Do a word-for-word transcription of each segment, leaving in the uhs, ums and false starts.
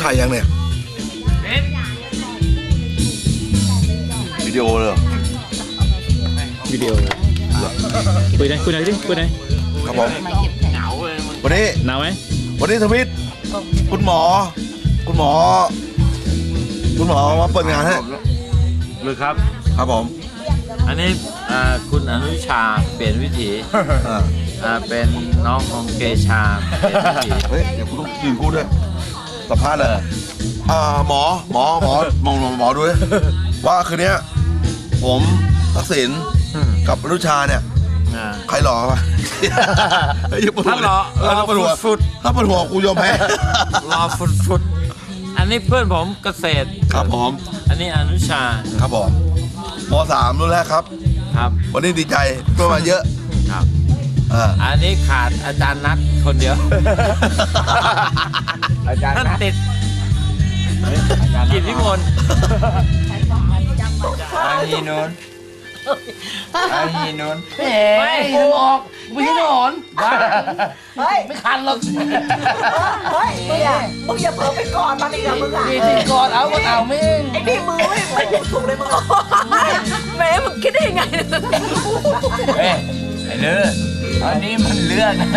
ถ่ายยังเนี่ยวิดีโอเลยวิดีโอคุยได้คุยได้ดิคุยได้ครับผมวันนี้หนาวไหมวันนี้ทวิตคุณหมอคุณหมอคุณหมอมาเปิดงานให้หรือครับครับผมอันนี้คุณอนุชาเปลี่ยนวิถีเป็นน้องของเกชาเปลี่ยนวิถีเฮ้ยเดี๋ยวคุณต้องยืนพูดด้วยสัมภาษณ์เลยหมอหมอหมอมองหมอดูเลยว่าคืนนี้ผมทักษิณกับอนุชาเนี่ยใครหล่อปะถ้าหล่อหล่อฟุดถ้าเป็นหัวกูยอมแพ้หล่อฟุดฟุดอันนี้เพื่อนผมเกษตรครับผมอันนี้อนุชาครับผมม.สามรุ่นแรกครับครับวันนี้ดีใจเพื่อนมาเยอะครับอันนี้ขาดอาจารย์นัทคนเดียวอาจารย์นัทติดกิจวิมลอาฮีนนอาฮีนนไม่ถึงออกไม่ใช่หนอนเฮ้ยไม่คันหรอกเฮ้ยมึงอย่ามึงอย่าเผลอไปกอดมันอีกนะมึงอ่ะนี่กอดเอาก็เอาไม่ไอ้นี่มือไม่ไม่ถูกเลยมึงแม่มึงคิดได้ยังไงเฮ้ยไอ้เลืออันนี้มันเลือดนะ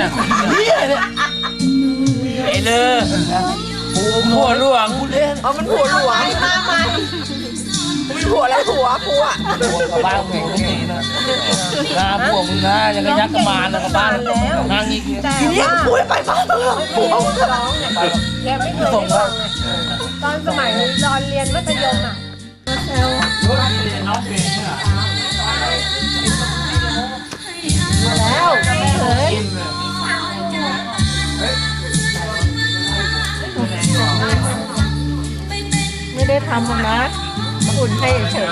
ไอ้เลือผัวหลวงอ๋อมันผัวหลวงมามามีผัวแล้วผัวผัวกับบ้านเก่งก็ดีนะงาผัวมึงนะยังกระยักกระมานนะกับบ้านงานอีกทีนี้ผัวไปบ้านผัวมึงร้องแกไม่เคยได้ฟังเลยตอนสมัยตอนเรียนมัธยมอ่ะมาแล้วเฮ้ยไม่ได้ทำนะอุ่นให้เฉย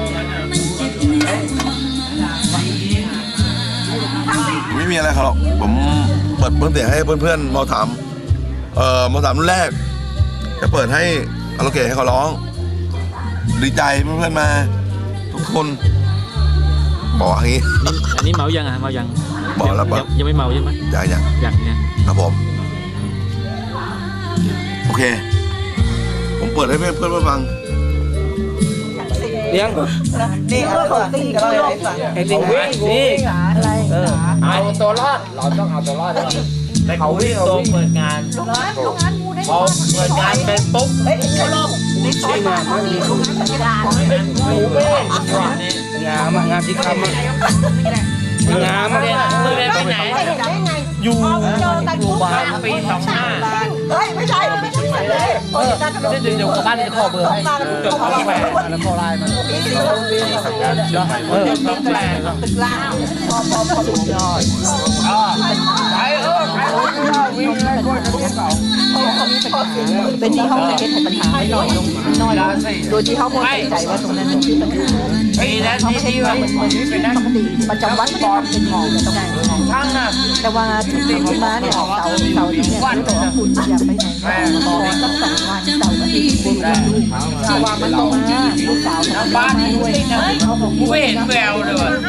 ไม่มีอะไรครับหรอกผมเปิดเพิ่มเสียงให้เพื่อนๆม.สามเอ่อม.สามรุ่นแรกจะเปิดให้อาราโอเกะให้เขาร้องดีใจเพื่อนๆมาทุกคนบอกอย่างนี้อันนี้เมายังอ่ะเมายังบอกแล้วบอกยังไม่เมาใช่ไหมยังยังยังเนี่ยครับผมโอเคผมเปิดให้เพื่อนเพื่อนฟังเลี้ยงนี่เอาตัวตีกันเลยไอ้ลิงวิ่งนี่อะไรเออเอาตัวรอดเราต้องเอาตัวรอดแต่เขาวิ่งตรงเปิดงานพอเปิดงานเป็นปุ๊บเฮ้ยเขาลงนี่ใช่งานมันมีหมูเบ้งามงามที่คำงามมาเลยมึงเรียนไปไหนอยู่โรงพยาบาลปีสองห้าเฮ้ยไม่ใช่ไม่ใช่เลยเออเดี๋ยวเดี๋ยวบ้านจะขอเบอร์ให้จดข้อแหวนแล้วขอไลน์มันเออต้องแปลตึกล่างพอพอพอสุดยอดอ๋อไปเออไปวิ่งเลยคนเรียนเก่าเป็นที่ห้องเทสปัญหาไม่หน่อยลงน้อยโดยที่เขาไม่ใจว่าตรงนั้นคือปัญหาปีนั้นที่ที่ว่าเหมือนที่เป็นปกติประจำวันไม่ได้ทำเป็นของแต่ต้องช่างนะแต่ว่าถึงที่มาเนี่ยเสาเสาที่เนี่ยรู้ตัวคุณอย่าไปไหนขอสักสองวันเสาร์อาทิตย์คุณดูที่ว่ามันตรงมาลูกสาวบ้านนี้ด้วยนะกูไม่เห็นแววเลยว่ะ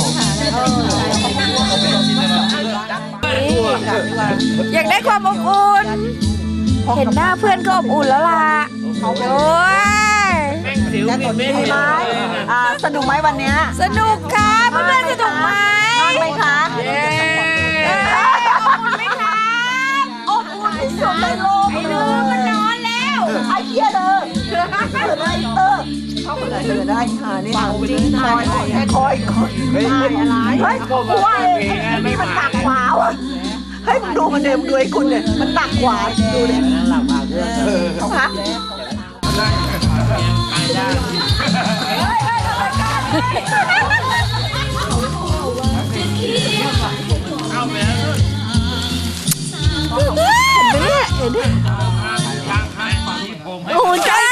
อยากได้ความอบอุ่นเห็นหน้าเพื่อนก็อบอุ่นแล้วล่ะโอ้ยสนุกไหมวันนี้สนุกค่ะเพื่อนๆสนุกไหมนอนไหมคะอบอุ่นไหมคะอบอุ่นที่สุดในโลกไอ้ลือมันนอนแล้วไอ้เหี้ยเลยเกิดอะไรเตอร์เขาเกิดเกิดได้ค่ะนี่จริงคอยแค่คอยคอยเฮ้ยอะไรเฮ้ยกูว่าไอ้นี่มันหนักกว่าว่ะเฮ้ยมึงดูมันเดิมดูไอ้คุณเนี่ยมันหนักกว่าดูดิหลับมาเรื่องเขาฮะโอ้โหใจ